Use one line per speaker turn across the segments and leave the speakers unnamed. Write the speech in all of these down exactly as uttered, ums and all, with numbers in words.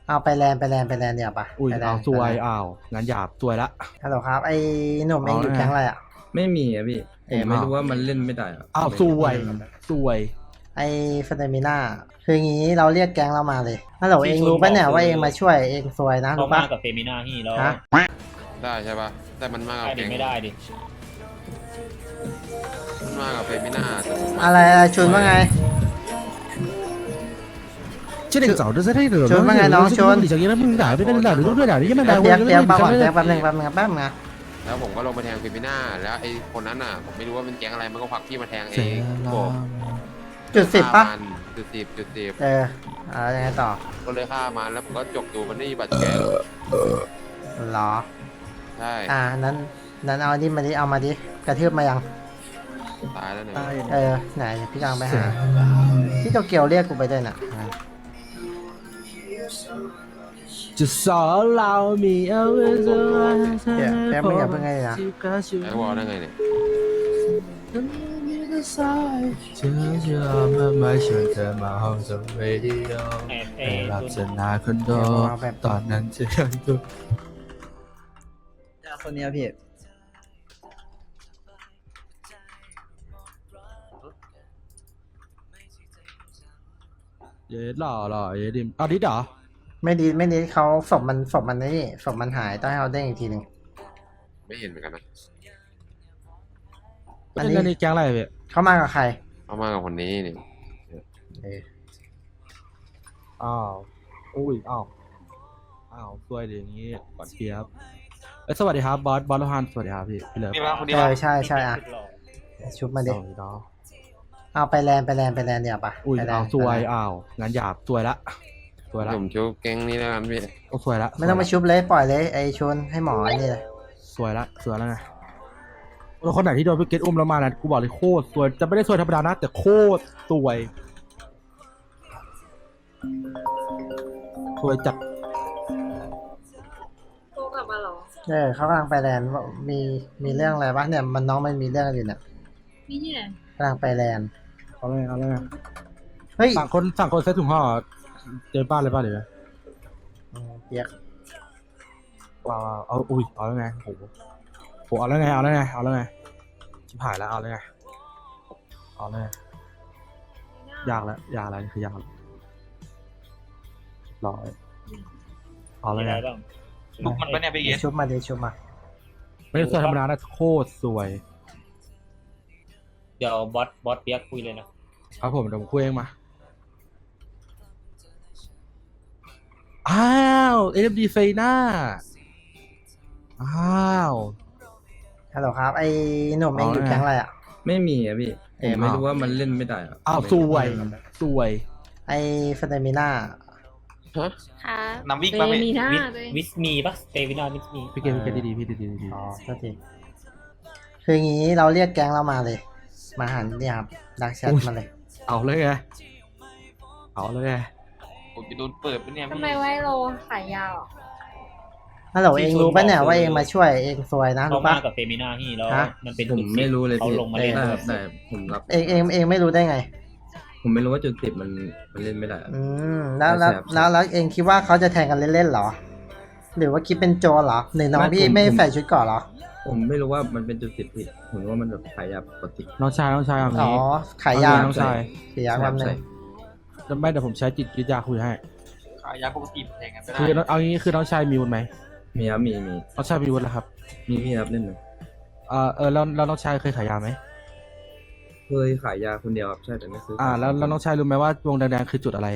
เอาไปแลนด์ไปแลนด์ไปแลนด์เดี๋ยวปะ
อุ้ย
ไปแลน
เอา
ด์
ซวย
ไปแลนด์
อ้าวงั้นหยาบซวยละ
ฮัลโหลครับไอ้หนุ่มเองอยู่
เอาไง
แก๊งอะไรอ่ะ
ไม่มีอะพี่
เอ่
ผ
อ
มไม่รู้ว่ามันเล่นไม่ได้อะ
อ้าวซวยซวย
ไอ้เฟเดมิน่าคืองี้เราเรียกแก๊งเรามาเลยฮัลโหลเองรู้ปะเนี่ยว่าเองมาช่วยเองซวยนะ
เขา
รู้
มา
ปะ
กับเฟมิน่าที่แล้ว
ฮะ
ได้ใช่ปะแต่มันมากับ
ได้ดิ
แก๊ง
ไม่ได้ดิ
มันมากับเฟมิน่าแต่ผมมา
อะไรอะไรชุนว่าไง
这个早就在这个，
ชวนว่าไงน้องชวน
你想跟他们打，别跟他打，都对打，你们打，
เดี๋ยว
我
เดี๋ยวแป๊บก่อน
跟
แป๊บแป๊บนึงแป๊บนึงแป๊บนึง
แล้วผมก็ลงไปแทงเฟมิน่าแล้วไอ้คนนั้นน่ะผมไม่รู้ว่าเป็นแก๊งอะไรมันก็ผลักพี่มาแทงเองผม
จุดสิบปะ
ฆ่ามันจุดสิบจุดสิบ
เออเอายังไงต่อ
ก็เลยฆ่ามันแล้วผมก็จกดูมันไม่มีบาดแผล
เหรอ
ใช่
อ่านั้นนั้นเอาดิมาดิเอามาดิกระทืบมายัง
ตายแล้วเนี่ย
เออไหนพี่กลางไปหาพี่โตเกียวเรียกกูไปด้วยน่ะอ่า
就少老米要为什么
เดี๋ยวแป๊บนึงอย่าเพิ่งให้นะ
ไอ้วอลได้ไงเนี่ย
这就慢慢选择蛮好的为理由
ไอ้ไอ้
ไปรับ
รุ่น
จะนาคนโตตอนนั้นจะยังตัว
คนนี้พี่
เย็ดหล่อหล่อเย็ดดิมเอาดิดเหรอ
ไม่ดีไม่ดีเขาศพมันศพมันนี่ศพมันหายต้องให้เขาเด้งอีกทีหนึ่ง
ไม่เห็นเหมือนกันนะ
อั
อั
น
น
นี้
นี้แก๊งอะไรพี่
เขามากับใคร
เอามากับคนนี้นี่
เออ
อ้าวอุ้ยอ้าวอ้าวซวยดิอย่างงี้ก่อนเกียบเอ้ยสวัสดีครับบอสบอสโลฮันสวัสดีครับพี่พี่เลิฟ
เออใช่ใช่อ่ะชุบมา
ส
ดิ
วัสดีน้อง
เอาไปแลนด์ไปแลนด์ไปแลนด์เดี๋ยวปะ
อุ้ย
ไปแลน
เอา
ด์
ซวย
ไปแลนด์
อ้าวงั้นหยาบซวยละซวยละ
ผมชุบแก๊งนี้แล้วกันพี่
โอ้ซวยละ
ไม่ต้องมาชุบเลยปล่อยเลยไอ้ชนให้หมอไอ้นี่เลย
ซวยละซวยแล้วไงแล้วคนไหนที่โดนพี่เกตอุ้มแล้วมานะกูบอกเลยโคตรซวยจะไม่ได้ซวยธรรมดานะแต่โคตรซวยซวยจัด
โตกลับมาเหรอ
เออเขากำลังไปแลนด์ว่ามีมีเรื่องอะไรปะเนี่ยมันน้องมันมีเรื่องอะไรอยู่เนี่ย
มีที่ไหน
กำลังไปแลนด์
เอาเลยเอาเลย
เฮ้ย
สั่งคนสั่งคนเซ็ตถุงห่อเจอบ้านเลยบ้านเลยนะ
อืมเปียก
ว้าวเอาอุ้ยเอาแล้วไงโอ้โหโหเอาแล้วไงเอาแล้วไงเอาแล้วไงชิบหายแล้วเอาแล้วไงเอาแล้วไงยากแล้วยากแล้วนี่คือยากแล้วรอเอาแล้ว
มี
ไง
อะไรบ้าง
ลุกมันปะเนี่ยพี่เกศ
ชุบมาดิชุบมา
ไม่ได้ซวยธรรมดานะโคตรสวย
เดี๋ยวบอสบอสเปียกคุยเลยนะครับ
ผมเดี๋ยวผมคุยเองมาอ้าวเอ็มดีเฟน่าอ้าว
ฮัลโหลครับไอ้หนุ่มเองอยู่แก๊งอะไรอ่ะ
ไม่มีอะพี่
เอ่
ผ
อ
มไม่รู้ว่ามันเล่นไม่ได้อะ
อ้าวสวยสวย
ไอ้เฟเดมิน่า
ฮะ
ค่ะ
น้ำวิ่ง
เต
ปะพี่
มีหน้า
วิส
เลย
วิสมีปะเตวินาวิสมี
พี่เกมพี่เกมดีๆพี่ดีๆดี
อ๋อโทษทีคืองี้เราเรียกแก๊งเรามาเลย มาหันเนี่ยครับดักแชทมาเลย
เอาเลยไงเอาเลยไง
ผมจะโดนเปิดปะเนี่ย
ทำ
พี่
ไมไว้โลขายยาวอ่ะ
ฮัลโหลเองรู้ปะเนี่ยว่าเองมาช่วยเองซวยนะ
เขา
รู้
มา
ปะ
กับเฟมิน่าที่แล้ว
ฮะ
มันเป็น
ผม
จุดสิบ
ไม่รู้เลย
เขา
พี่
ลงมาเล่น
ได้
ด้
คว รั
ย
บได้ผมรับ
เองเองเองไม่รู้ได้ไง
ผมไม่รู้ว่าจุดสิบมันมันเล่นไม่ได้อะ
อืมแล้วแล้ว
แสบ
แล้วแล้วเองคิดว่าเขาจะแทงกันเล่นๆเหรอ หรือว่าคิดเป็นโจรเหรอหรือน้อง
ไม่
พี่
ผม
ไม่
ผม
ใส่ชุดเก่อนเหรอ
ผมไม่รู้ว่ามันเป็นจุดสิบผิดผมรู้ว่ามันแบบขายยาปกติ
น้องชายน้องชายเอา
อ๋อ
งี้
ขายยา
น้องชาย
ขายยาความหนึ่ง
แล้วไม่เดี๋ยวผมใช้จิตวิทยาคุยให้
ขายยาปกติแทงกันไม่ได้
คือเอางี้คือน้องชายมีวุฒิไหม
มีครับมีมี
น้องชายมีวุฒิแล้วครับ
มีมีครับเล่นหนึ่ง
เออเออแล้วแล้วน้องชายเคยขายยาไหม
เคยขายยาคนเดียวครับใช่แต่ไม่ซื้อ
อ่าแล้วแล้วน้องชายรู้ไหมว่าวงแดงๆคือจุดอะไร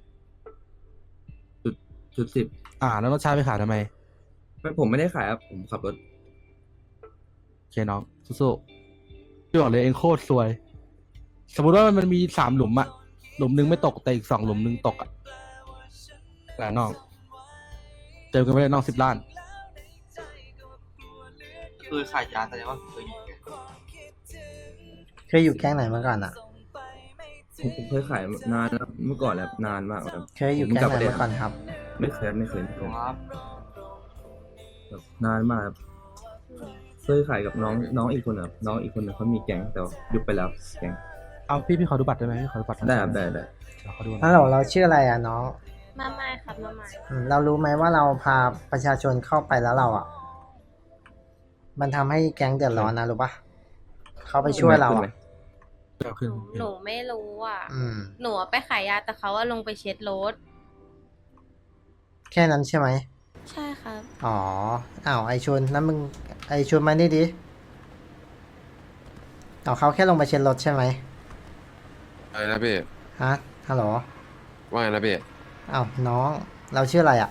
จุดจุดสิบ
อ่าแล้วน้องชายไปขายทำไม
ไม่ผมไม่ได้ขายครับผมขับรถ
โอเคน้องสู้ๆพี่บอกเลยเองโคตรสวย สมมติว่ามันมีสามหลุมอะหลุมหนึงไม่ตกแต่อีกสองหลุมหนึงตกอะแต่น้องเจอกันไปเลยน้องสิบล้าน
คือขายยาแต่ว่าเคยอยู่แก
เคยอยู่แก๊งไหนมาก่อนอ่ะ
ผมผมเคยขายนานแล้วเมื่อก่อนแล้วนานมากครับ
เคยอยู่แก๊งไหนมาก่อนครับ
ไม่เคยไม่เคยไม่เคย
ครับ
แบบนานมากครับเคยขายกับน้องน้องอีกคนครับน้องอีกคนหนึงเขามีแก๊งแต่ว่ายุบไปแล้วแก๊ง
เอาพี่พี่ขอดูบัตรได้ไหมพี่ขอดูบัตรหน่อย
ได้ครับได้ได้
เดี๋ยวขอดูหน่
ฮั
อ
ล
ย
โหลเราชื่ออะไรอ่ะน้อง
มมาใหม่ครับมาใหม่
อืมเรารู้ไหมว่าเราพาประชาชนเข้าไปแล้วเราอ่ะ มันทำให้แก๊งเดือดร้อนนะรู้ปะเขาไปช่วยเรา
ขึ้นไหม
อ่ะ
เดี๋ยวขึ้น
หนูไม่รู้อ่ะ
อืม
หนูไปขายยาแต่เขาว่าลงไปเช็ดรถ
แค่นั้นใช่ไหม
ใช่ครับ
อ๋อ อ้าว ไอชุนนั้นมึง ไอชุนมานี่ดิเอาเขาแค่ลงไปเช็ดรถใช่ไหม
อะไรนะพี่
ฮะ ฮัลโหล
ว่าไงนะพี่
อ้าว น้อง เราชื่ออะไรอ่ะ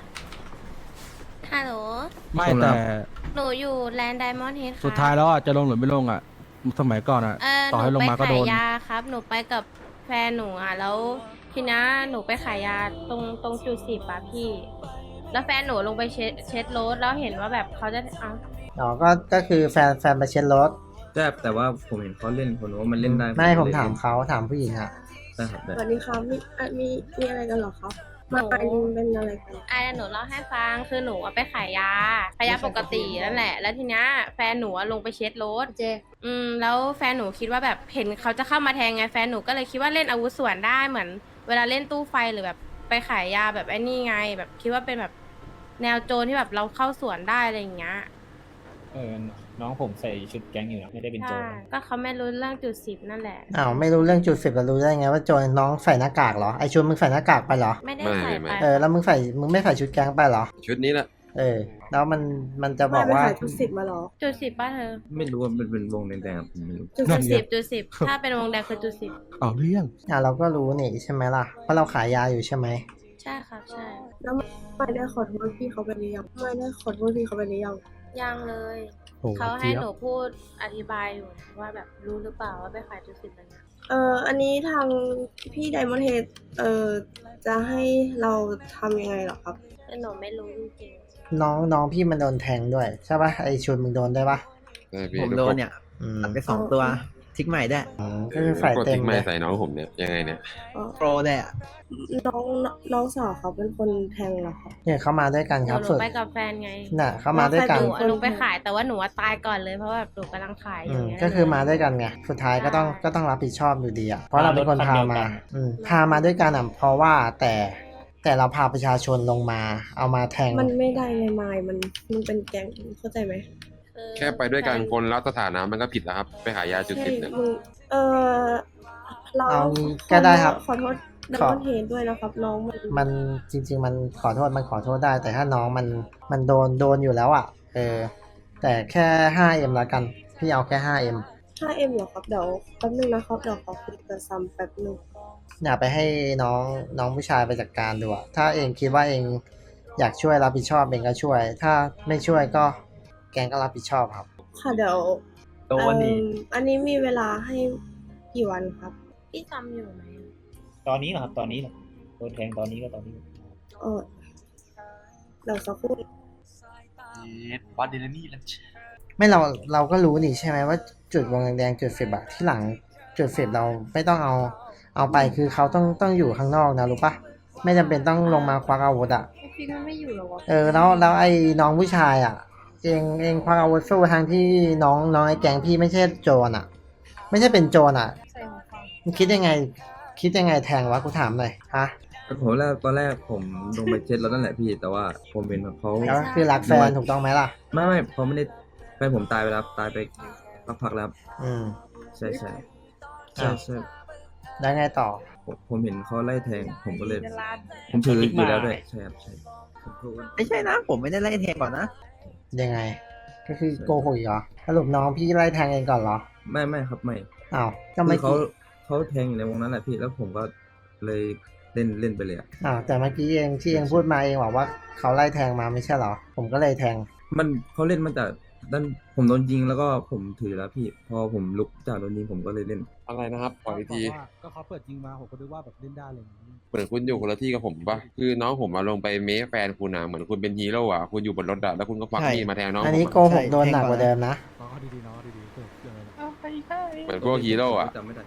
ฮัลโหล
ไม่
ผมรั
แต่
บ
หนูอยู่แลนด์ไดมอนด์เฮดครับ
สุดท้ายแล้วอ่ะจะลงหรือไม่ลงอ่ะ สมัยก่อนอ่ะ
เออ
ต่อให้ลงมาก็โดน
หนูไปขายยาครับ หนูไปกับแฟนหนูอ่ะ แล้วทีนี้หนูไปขายยาตรงตรงจุดสิบอ่ะพี่ แล้วแฟนหนูลงไปเช็ดเช็ดรถแล้วเห็นว่าแบบเขาจะเอา
อ๋อ ก็ ก็คือแฟน แฟนไปเช็ดรถ
แต่แต่ว่าผมเห็นเขาเล่นผมว่ามันเล่นได้
ไม่ผม
เลย
ถามเขาถามผู้หญิงอ่ะ
ได้ครับได้
สวัสดีครับมีอ่ะมีมีอะไรกันเหรอครับมาอันนี้เป็นอะไรกัน
อ่ะเดี๋ยวหนูเล่าให้ฟังคือหนูอะไปขายยาขายยาปกตินั่นแหละ แล้วทีเนี้ยแฟนหนูอะลงไปเช็ดรถ
เจ
อืมแล้วแฟนหนูคิดว่าแบบเห็นเขาจะเข้ามาแทงไงแฟนหนูก็เลยคิดว่าเล่นอาวุธส่วนได้เหมือน เวลาเล่นตู้ไฟหรือแบบไปขายยาแบบไอ้นี่ไง แบบคิดว่าเป็นแบบแนวโจรที่แบบเราเข้าสวนได้อะไรอย่างเงี้ย
เออ น้องผมใส่ชุดแก๊งอยู่นะไม่ได้เป็นโจ
ใช่
ร
ก็เขาไม่รู้เรื่องจุดสิบนั่นแหละ
อ้าว ไม่รู้เรื่องจุดสิบแล้วรู้ได้ไงว่าโจรน้องใส่หน้ากากเหรอ ไอชุนมึงใส่หน้ากากไปเหรอ
ไม่ได้
ไม่
ใส่
ไม่
ไป
เออ แล้วมึงใส่ มึงไม่ใส่ชุดแก๊งไปเหรอ
ชุดนี้แหละ
เออ แล้วมัน มันจะบอก
ไม่ไป
ว่า
ขายทุกสิบมาเหรอ
จุดสิบป่ะเธอ
ไม่รู้ว่ามันเป็นวงแดงๆผมไม่รู้
จุด
จุ
สิ
ด
บ
สิบจุดสิบถ้าเป็นวงแดงคือจุดสิบ
เอาเรื่อง
อ่ะเราก็รู้นี่ใช่ไหมล่ะ เพราะเราขายยาอยู่ใช่ไหม
ใช่ครับใช่
แล้วไม่ได้ขอโทษพี่เขาไปหรือยังไม่ได้ขอโทษพี่เขาไปหรือยัง
ยังเลย
โอ้
เขาให้
เจี๊ยบ
หนูพูดอธิบายอยู่ว่าแบบรู้หรือเปล่าว่าไปขายจุดสิบอะไรเงี้ย
เอ่ออันนี้ทางพี่ไดมอนด์เฮดเอ่อจะให้เราทำยังไงเหรอครับ
แต่หนูไม่รู้จริง
น้องน้องพี่มันโดนแทงด้วยใช่ปะไอชุนมึงโดนได้ปะ
ใช่พี่
ผมโดนเนี่ย
อืม
ตัดไปสองตัวทิกใหม่ได้วย
อืมก็คือฝ่าย
กด
เต็
ทิ้
ม
ง
เล
ไม่
ย
ใส่น้องผมเนี่ยยังไงเนี่ย
โปรเลยอ่ะ
น้องน้องสาวเขาเป็นคนแทงเหรอครับ
เนี่ยเขามาด้วยกัน
ๆห
ค
นู
รับ
หนู
ฝึก
ไปกับแฟนไง
น่ะเขามาด้วยกัน
หนูอะหนูไปขายแต่ว่าหนูอะตายก่อนเลยเพราะว่าแบบหนูกำลังขายอ
อื
ยู่
ม
เงี้ย
ก็คือมาด้วยกันไงสุดท้ายก็ต้องก็ต้องรับผิดชอบอยู่ดีอ่ะเพราะเราเป็นคนพามาอืมพามาด้วยกันอ่ะเพราะว่าแต่แต่เราพาประชาชนลงมา เอามาแทง
มันไม่ได้ไงมายมันมันเป็นแก๊งเข้าใจไหม
คือ
แค่ไปด้วยกัน
แฟ
คนรับสถานะมันก็ผิดแล้วครับ ไปขายยาจุด
ใช่
สิบเนี่ย
มึงเออเรา
เอางี้ก็ได้ครับ
ขอโทษได
ขอ
มอนด์เฮดด้วยนะครับ น้องมัน
มันจริง ๆ มันขอโทษมันขอโทษได้ แต่ถ้าน้องมันมันโดนโดนอยู่แล้วอ่ะ เออ แต่แค่ ห้าเอ็ม ละกัน พี่เอาแค่ ห้าเอ็ม
ห้าเอ็มเหรอครับเดี๋ยวแป๊บนึงนะครับเดี๋ยวขอคุยกับซัมแป๊บนึง
อย่าไปให้น้องน้องผู้ชายไปจัดการดูอะถ้าเองคิดว่าเองอยากช่วยรับผิดชอบเองก็ช่วย ถ้าไม่ช่วยก็แกงก็รับผิดชอบครับ
ค่ะเดี๋ยว
โดนดิ
เอิ่มอันนี้มีเวลาให้กี่วันครับ
พี่จำอยู่ไหม
ตอนนี้เหรอครับ ตอนนี้เหรอโดนแทงตอนนี้ก็ตอนนี้
เออเดี๋ยวสักครู่
เย็ดวัดเดลนี่แล้ว
ไม่เราเราก็รู้นี่ใช่ไหมว่าจุดวงแดงๆจุดสิบอะที่หลังจุดสิบเราไม่ต้องเอาเอาไปคือเขาต้องต้องอยู่ข้างนอกนะรู้ปะไม่จำเป็นต้องลงมาควักอาวุธอะ
พี่ก็ไม่อยู่หรอวะ
เออแล้วแล้วไอ้น้องผู้ชายอะเองเองควักอาวุธสู้ทางที่น้องน้องไอ้แกงพี่ไม่ใช่โจรอะไม่ใช่เป็นโจรอะ
ใส่หัวฟัง
มึงคิดยังไง คิดยังไงแทงวะกูถามหน่อยฮะ
ผมแรกตอนแรกผมลงไปเช็ดแล้วนั่นแหละพี่ แต่ว่าผมเห็นเขา
แล้วคือรักแฟนถูกต้องไหมล่ะ
ไม่ไม่เขาไม่ได้แฟนผมตายไปแล้วตายไปพักๆแล้วครับ
อืม
ใช่ใช่ใช่
อ้าว
ใช่
แล้วไงต่อ
ผมผมเห็นเขาไล่แทง ผมก็เลย ผมถืออยู่แล้วด้วยใช่ครับใช่ผมพูดว่า
ไม่ใช่นะ ผมไม่ได้ไล่แทงก่อนนะ
ยังไง ก็คือโกหกอีกเหรอสรุปน้องพี่ไล่แทงเองก่อนเหรอ
ไม่ไม่ครับไม่
อ้าวก็
คื
ไม่
อเขา
กี้
เขาแทงอยู่ในวงนั้นแหละพี่แล้วผมก็เลยเล่นเล่นไปเลยอะ
อ้าวแต่เมื่อกี้เองที่เองพูดมาเองบอกว่าเขาไล่แทงมาไม่ใช่เหรอ ผมก็เลยแทง
มันเขาเล่นมาจากด้านผมโดนยิงแล้วก็ผมถือแล้วพี่ พอผมลุกจากโดนยิงผมก็เลยเล่น
อะไรนะครับขออีกที
ก็เขาเปิดจริงมาผมก็นึกว่าแบบเล่นได้เลยางนี้
เหมือนคุณอยู่คนละที่กับผมปะคือน้องผมมาลงไปเมฟแฟนคุณนะเหมือนคุณเป็นฮีโร่อะคุณอยู่บนรถอะแล้วคุณก็ควัก
ใช่
มีดมาแทงน้อง
อัน
ผ
นี้
ม
โก
อะ
หกโดนหนักกว่าเดิมนะ
น้องเขาดีๆน้องเขาดีๆเกิดเรื่องอะไรนะ
เหมือนพวกฮีโร่อะ
จำไม่ได้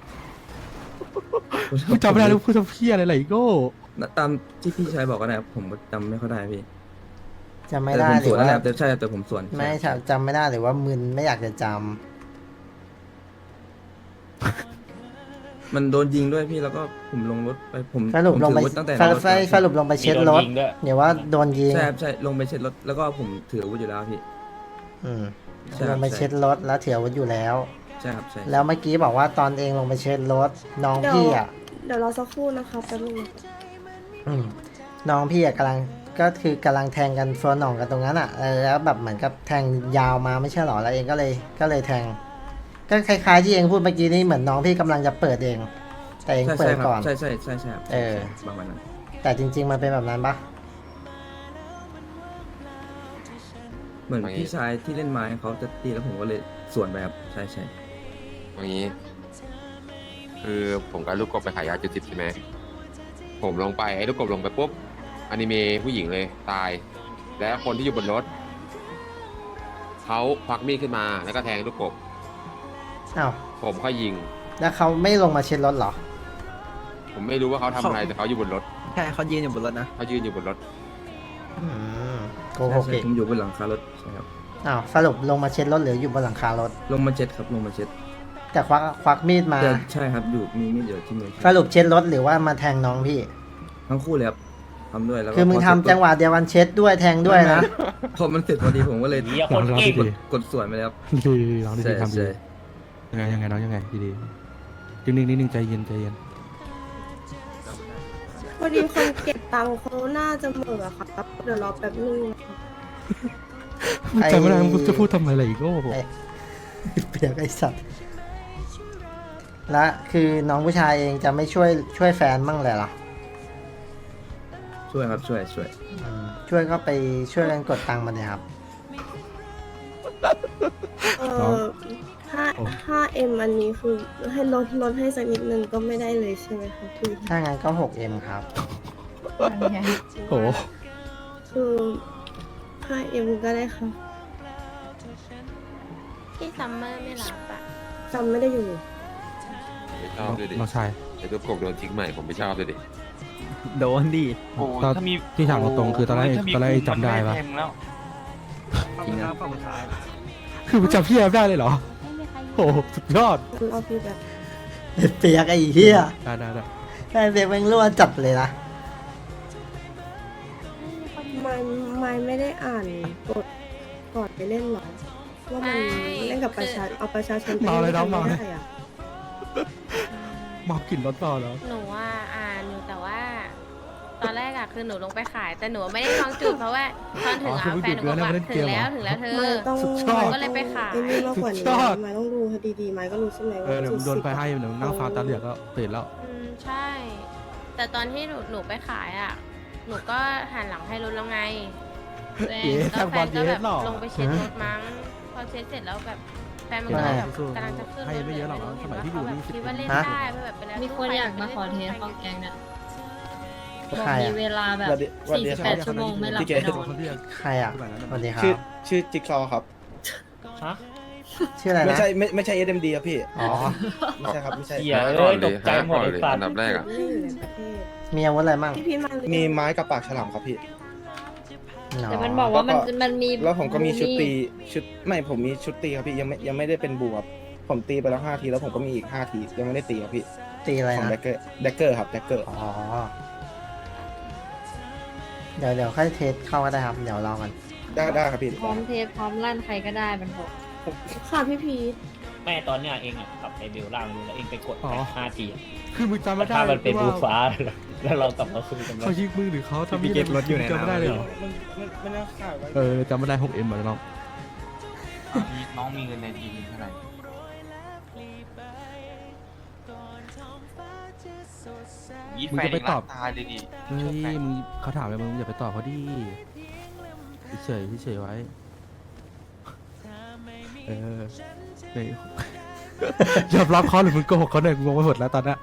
กูจำไม่ได้เลยพูดทำเพี้ยอะไรไหลโก้
ตามที่พี่ชายบอกก็ได้ครับผมก็จำไม่ค่อยได้พี่
จำไม่
แต่
ได้
ผม
ห
ส
รื
วน
อ
นั่น
ว่า
แหละแต่ใช่แต่ผมสวน
ไม่
ใช่
จำไม่ได้หรือว่ามึนไม่อยากจะจ
มันโดนยิงด้วยพี่แล้วก็ผมลงรถไปผม
สรุป
ผม
ลงไป
ถืออาวุธตั้งแต่
ส
ใน
รุ
ร
ป
ถแล้ว
สรุปลงไปเช็ดรถ
มีโดนยิงด้วย
เดี๋ยวว่าโดนยิง
ใช่ครับใช่ลงไปเช็ดรถแล้วก็ผมถืออาวุธอยู่แล้วพี่
อืม
ใช่ค
ล
รับ
งไปเช็ดรถแล้วถืออาวุธอยู่แล้ว
ใช่ครับใช่
แล้วเมื่อกี้บอกว่าตอนเองลงไปเช็ดรถน้องพี่อ่ะ
เดี๋ยวรอสักครู่นะคะแป๊บนึงนะคะ
อืมน้องพี่อะกำลังก็คือกำลังแทงกันฟัวหน่องกันตรงนั้นอ่ะเออแล้วแบบเหมือนกับแทงยาวมาไม่ใช่หรอแล้วเองก็เลยก็เลยแทง ก็คล้ายๆที่เองพูดเมื่อกี้นี่เหมือนน้องพี่กำลังจะเปิดเอง แต่เอง
ใช่
เปิ
ใช่
ด
ครับ
ก่อน
ใช่ใช่ใช่ใช่ครับ
เออ
ประมาณนั้น
แต่จริง ๆ มันเป็นแบบนั้นปะ
เหมือนพี่ชายที่เล่นไม้เขาจะตีแล้วผมก็เลยสวนไปครับใช่ใช่
อย่างนี้ คือผมกับลูกกบไปขายยาจุดสิบใช่ไหมผมลงไปไอ้ลูกกบลงไปปุ๊บอนิเมะผู้หญิงเลยตาย แล้วคนที่อยู่บนรถเขาควักมีดขึ้นมาแล้วก็แทงลูกกบ
อ้าว
ผมก็ยิง
แล้วเขาไม่ลงมาเช็ดรถเหรอ
ผมไม่รู้ว่าเขาทำอะไรแต่เขาอยู่บนรถ
ใช่เขายืนอยู่บนรถนะ
เขายืนอยู่บนรถ
อืมโก
ใช่
หก
ใช่
อีก
ผมอยู่บนหลังคารถใช่ครับ
อ้าวสรุปลงมาเช็ดรถหรืออยู่บนหลังคารถ
ลงมาเช็ดครับลงมาเช็ด
แต่ควักควักมีดมา
แต่ใช่ครับอยู่มีมีดอยู่ที่มือ
สรุปเช็ดรถหรือว่ามาแทงน้องพี่
ทั้งคู่เลยครับทำด้วยแล้วก็
คือมึง
พ
ทำจังหวะเดียวกันเช็ดด้วยแทงด้วยนะ
พอมันเสร็จพอดีผมก็เลย
เหี้ยคนเก่ง
กดกดสวนไปเลยครับ
ดีน้องดี
ใช่
ๆทำดี
ใช่
ยังไงยังไงน้องยังไงดีๆนิ่งๆนิ่งๆใจเย็นใจเย็น
พอดีคนเก็บตังค์เขาน่าจะเหม่อครับเดี๋ยวรอแป๊บนึงนะคะ
ไอ้
จำไม่ได้มึงจะพูดทำไมอะไรอีกโอ้โห
ไอ้ เปียกไอสัตว์และคือน้องผู้ชายเองจะไม่ช่วยช่วยแฟนบ้างเลยเหรอ
ช่วยครับช่วยช่วย
อืมช่วยก็ไปช่วยกันกดตังค์มาเลยครับ
เออห้าห้าเอ็มอันนี้คือให้ลดลดให้สักนิดนึงก็ไม่ได้เลยใช่ไหมคะพี่
ถ้างั้นก็ หกเอ็ม ครับ
โอ้โห
คือห้าเอ็มก็ได้ค่ะ
พี่ซัมเมอร์ไม่รับอะ
จำไม่ได้อยู่
ไม่ชอบด้วยดิ
น้องชาย
ไอ้ลูกกบโดนทิ้งใหม่ผมไม่ชอบด้วยดิ
โดนดิ
โอ้
ตอน
ถ้ามี
ที่ถามตรงๆคือตอนแรก
ถ้ามี
ตอนแรก
คู่
จำได้ปะ
มันม่แทงแล้ว
จริงนะ
คือมึงจำพี่แอฟได้เลยเหรอ
ไม่มีใครอยู่
โอ้โหสุดยอด
เราพี่แบบ
เปียกไอ้เหี้ย
ได้ได้ได้
ไอ้เปียกแม่งรั่วจัดเลยนะ
ไม่ไม่ไม่ได้อ่านกดก่อนไปเล่นหรอว่ามันเล่นกับประชาเอาประชาชนไป
เมาเลยน้อง
ไม่
เมาเลย
ได้อะ
เมากลิ่นรถต่อแล้ว
หนูว่าอ่านอยู่แต่ว่า ตอนแรกอะคือหนูลงไปขาย แต่หนูไม่ได้ลองจุดเพราะว่าตอนถึง
อ๋อคือ
อะ
ไม่
แฟนหนูบอกว่า
จุดเกลือแล้วไม่เล่นเกมเหรอ
ถึงแล้วถึงแล้วเธอ
ไม่ต้อง
สุดยอด
ก็เลยไปขาย
ไอ้นี่มากกว่านี้
สุดยอด
ไม่ต้องดูดีๆไม่ก็รู้ใช่ไหม
เอ
ว่า
อเดี๋ยวมึงโดน
จุ
ไป
สิบ
ให้เดี๋ยวมึงนั่งฟ้าตาเหลือกก็ตื่นแล้ว
อืมใช่ แต่ตอนที่หนูหนูไปขายอ่ะ หนูก็หันหลังให้รถแล้วไง
เย้
แล้วแฟนก็แบบ
แทงบอลเย้หรอ
ลงไปเช็ดรถมั้ง พอเช็ดเสร็จแล้วแบบแฟนมันก็เลยแบบกำลังจะขึ้นรถ
ให้ไม่เยอะหรอกนะสมัยที่อยู่นี่
คิดว่าเล่น
ฮะ
ได้เพราะแบบเวลา
มีคนอยากมาขอเทสของแกงเนี่ยบอก
ใคร
มี
อะ
เวลาแบบ
วันเดียว
สี่สิบแปดชั่วโมงไม่หลับ
พี่เก
ไม่นอน
ใครอ่ะสวัสดีครั
ชื่อบ ชื่อจิ๊กซอว์ครับ
ฮะ
ชื่ออะไร
ไม่
นะ
ใช่ไม่ไม่ใช่ เอส เอ็ม ดี ครับพี่
อ๋อ
ไม่ใช่ครับไม่ใช่
เหี้ย
หา
เอ้
ก่อน
ยต
ดิ
กใจ
หา
หม
ก่
ด
อน
ไอ้
เลย
สัต
อั
ว์
นดับแรกอ่ะ
ไม่อยู่ในประเทศ
มีอาวุธอะไรมั่ง
พี่พี่มาหรือยัง
มีไม้กับปากฉลามครับพี่
แต่มันบอกว่ามัน
แล้วก็
มันมี
แล้วผมก็มีชุดตี
มี
ชุดไม่ผมมีชุดตีครับพี่ยังไม่ยังไม่ได้เป็นบูครับผมตีไปแล้วห้าทีแล้วผมก็มีอีกห้าทียังไม่ได้ตีครับพี่
ตีอะไร
ของ
นะ
แดกเกอร์แดกเกอร์ครับแดกเกอร์
อ๋อ เดี๋ยวเดี๋ยวค่อยเทสเข้าก็ได้ครับ เดี๋ยวรอกัน
ได้ได้ครับพี่
พร้อมเทสพร้อมลั่นใครก็ได้มันบอก
ค่ะพี่พีท
แม่ตอนเนี้ยเองอ่ะขับไปเบลล่างดูแล้วเองไปกด
อ๋อ
ห้าทีอะ
คือมึงจำไม่ได้
ถ้ามันเป็น
ว่า
บูฟ้า แล้วเรากลับมาสู้กัน
เขายิงมือหรือเขาทำ
พี่เก็บรถอยู่ใน
จำไม่ได้เลยเหรอ
มันมันมันน่าขายไว้
เออจำไม่ได้หกเอ็มเหมือนน้อง
มีน้องมีเงินในทีมเท่าไหร่ยี่
มึง
แฟน
จะไป
เอง
ต
รั
อบ
กตายเลยดิ
เฮ้ยมึงเขาถามอะไรมึงอย่าไปตอบเขาดิเฉยๆเฉยๆไว้ เออเนี่ย ยอมรับเขาหรือมึงโกหกเขาเนี่ยงงไปหมดแล้วตอนเนี้ย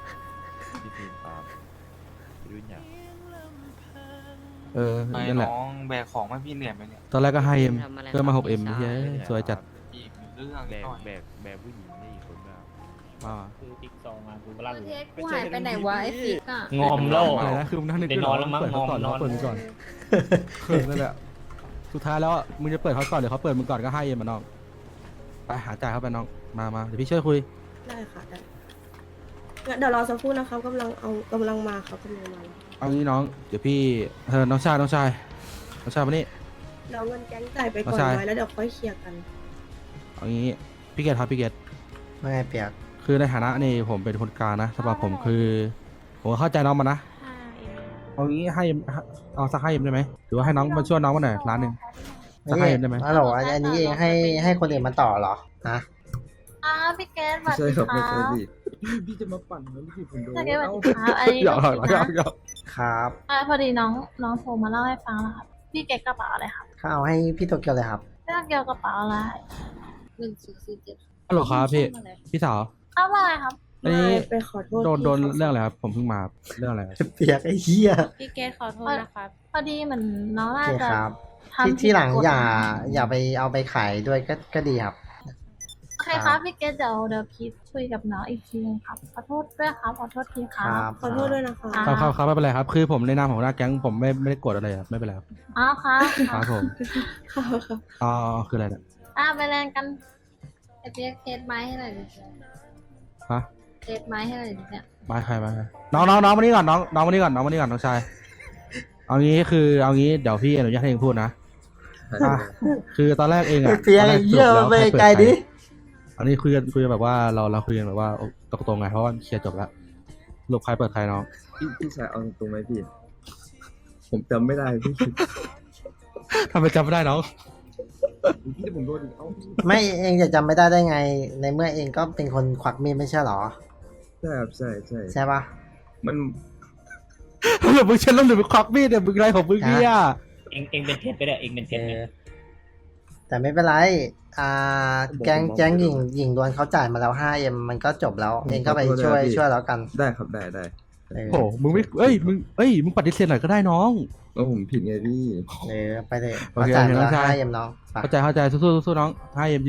เออ
ไอ้
นั่นแหละ
น้องแบกของมาพี่เหนื่อยไหมเนี่ย
ตอนแรกก็ให้เอ็มเพิ่มมาหกเอ็มเฮ้ยสวยจัด
อีกเรื่องแบกแบก
อ่า
คือติ๊กซองมาดูล่าง
เทสกูหายไปไหนวะไอ้ฟิกอะ
งอมแล้ว
อะไรนะคือมึงนั่งนึก
เดี๋ยวนอนแล้วมั้ง
เปิดเขาก่อน
นอน
เขาเปิดมึงก่อนเออนั่นแหละสุดท้ายแล้วอะมึงจะเปิดเขาก่อนหรือเขาเปิดมึงก่อนก็ให้เอ็มมาน้องไปหาจ่ายเข้าไปน้องมามาเดี๋ยวพี่ช่วยคุย
ได้ค่ะได้งั้นเดี๋ยวรอสักครู่นะครับกำลังเอากำลังมาครับกำลังมา
เอางี้น้องเดี๋ยวพี่เออน้องชายน้องชายน้องชายมานี่
เดี๋ยวเงินแก๊งจ่ายไปก่อน
ใช่
ไว้แล้วเดี๋ยวค่อยเคลียร์กัน
เอางี้พี่เกตครับพี่เกต
ไม่ไงเปียก
คือในฐานะนี่ผมเป็นคนกลางนะสำหรับผมคือ ผมก็เข้าใจน้องมานะ
ห้าเอ็ม
เอางี้ให้เอาสักให้เอ็มได้ไหมหรือว่าให้น้องมาช่วยน้องมาหน่อยล้านหนึ่งสักให้เอ็มได้ไหม
ฮัลโหลอันนี้เองให้ให้คนอื่นมาต่อเหรอฮะ
อ้าวพี่เกดสวัส
ใช่
ดี
ครับ
ค
ไม่
รั
ใช่
บ
พี่พี่จะมาปั่นแล้วพี่ผมโดน
พี่เกดสวัส
เอ้า
ดีครับอันนี้
หยอกหยอก
ลูก
หยอก
ศิษย์
หย
นะ
อก
ครับ
อ่าพอดีน้องน้องโทรมาเล่าให้ฟังแล้วครับ พี่เกดกระเป๋าอะไรครับ
ข้าเอาให้พี่โตเกียวเลยครับ
เรื่องเกี่ยวกระเป๋าอะไรหนึ่งสี่สี่เจ็ด
ฮัลโหลครับพี่พี่สาว
อ้าวว่าไงครับ
อันนี้
ไปขอโทษ
โดนโดน
พี่ขา
เรื่องอะไรครับผมเพิ่งมาเรื่องอะไรครับ
เปียกไอ้เหี้ย
พี่เกดขอโทษนะครับ
พอดีเหมือนน้อง
โอ
น่า
เค
จะ
ครับ
ทำ
ที่
ผิด
ที่หลัง
กฎ
อย่าอย่าไปเอาไปขายด้วยก็ก็ดีครับ
โอเคครับพี่เกดเดี๋ยวเดี๋ยวพีทคุยกับน้องอีกทีนึงครับขอโทษด้วยครับขอโทษทีค
ค
รั
รับ บ
ขอโทษด้วยนะคะ
อ่า
ครับครับครับไม่เป็นไรครับ คือผมในนามของหัวหน้าแก๊งผมไม่ไม่ได้โกรธอะไรครับไม่เป็นไรครับ
อ๋อครับ
ครับผม
ค่ะค่ะ
อ๋อคืออะไรเนี่ย
อ่าไปเล่นกันไอเปียกเทสไม้ให้หน่อยดิ
ฮะ
เทสไม้ให้หน่อยดิเนี่ย
มาใครมาใครน้องน้องน้องมานี่ก่อนน้องน้องมานี่ก่อนน้องมานี่ก่อนน้องชายเอางี้คือเอางี้เดี๋ยวพี่อนุญาตให้เองพูดนะอ่ะคือตอนแรกเองอะ
เปียก
ตอนแร
ไอ้เหี้ย
สรุป
ไป
แล้วใครเปิ
ไกลดิ
อันนี้คุยกันคุยกันแบบว่าเราเราคุยกันแบบว่าตรงๆไงเพราะว่าเคลียร์จบแล้วสรุปใครเปิดใครน้อง
พี่พี่ชายเอาตรงไหมพี่ ผมจำไม่ได้พี่
ทำไมจำไม่ได้น้อง
พี่ผมโดนอีกเอ้า
ไม่เองจะจำไม่ได้ได้ไง ในเมื่อเองก็เป็นคนควักมีดไม่ใช่เหรอ
ใช่ครับใช่ใช่
ใช่ปะ
มัน
หรือมึงเช็ดแล้วหรือมึงควักมีดเนี่ยมึงอะไรของมึงเนี่ย
เองเองเป็นเท็จไปเลยเองเป็น
เอ
เท็จไป
อแต่ไม่เป็นไร อ่า แก๊งแก๊งหญิงหญิงดวนเขาจ่ายมาแล้ว ห้าเอ็ม มันก็จบแล้ว เองก็ไปช่วยช่วยแล้วกัน
ได้ครับได้ได้
เออ
โอ้โหมึงไม่เอ้ยมึงเอ้ยมึงปฏิเสธหน่อยก็ได้น้อง
แล้วผมผิดไงพี่
เออไปเลย
โอเค
เขาจ่ายมาแล้ว
โอเคน้องชาย
ห้าเอ็มน้องไป
เข้าใจเข้าใจสู้ๆสู้ๆน้องให้เอ็ม